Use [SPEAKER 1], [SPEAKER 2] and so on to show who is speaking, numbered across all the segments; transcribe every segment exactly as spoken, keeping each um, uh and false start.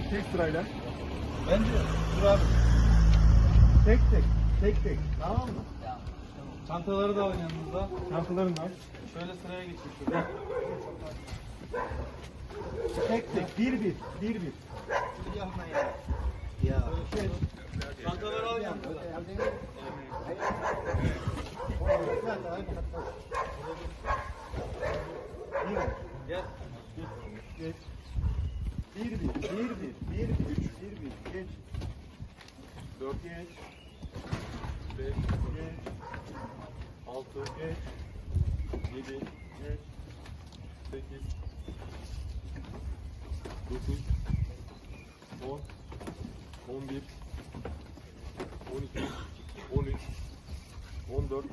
[SPEAKER 1] tek sırayla.
[SPEAKER 2] Bence dur abi.
[SPEAKER 1] Tek tek. Tek tek. Tamam mı?
[SPEAKER 2] Çantaları da alın yanınızda.
[SPEAKER 1] Çantalarını al.
[SPEAKER 2] Şöyle sıraya geçin şurada.
[SPEAKER 1] Tek tek. Bir bir. Bir bir.
[SPEAKER 3] Yapma ya. Ya.
[SPEAKER 2] Çantaları al yanınıza. Gel.
[SPEAKER 1] Geç. Bir bir. Bir bir. Bir bir. Üç. Bir bir. Geç. Dört. Geç. Beş. Geç. Altı. Geç. Yedi. Geç. Sekiz. Dokuz. On. On bir. On iki. On üç. On dört.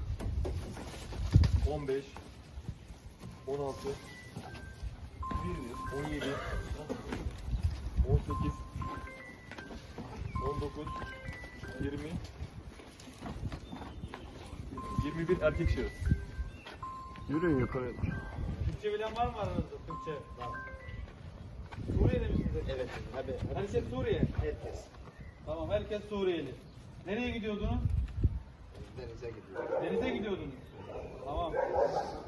[SPEAKER 1] On beş. On altı. On yedi. On sekiz. On dokuz. Yirmi. Yirmi bir erkek şahıs.
[SPEAKER 4] Yürüyün yukarı.
[SPEAKER 2] Türkçe bilen var mı aranızda? Türkçe. Var. Suriye'de misiniz?
[SPEAKER 3] Evet. Abi.
[SPEAKER 2] Herkes Suriye.
[SPEAKER 3] Herkes.
[SPEAKER 2] Tamam, herkes Suriyeli. Nereye gidiyordunuz?
[SPEAKER 3] Denize gidiyor.
[SPEAKER 2] Denize gidiyordunuz. Tamam.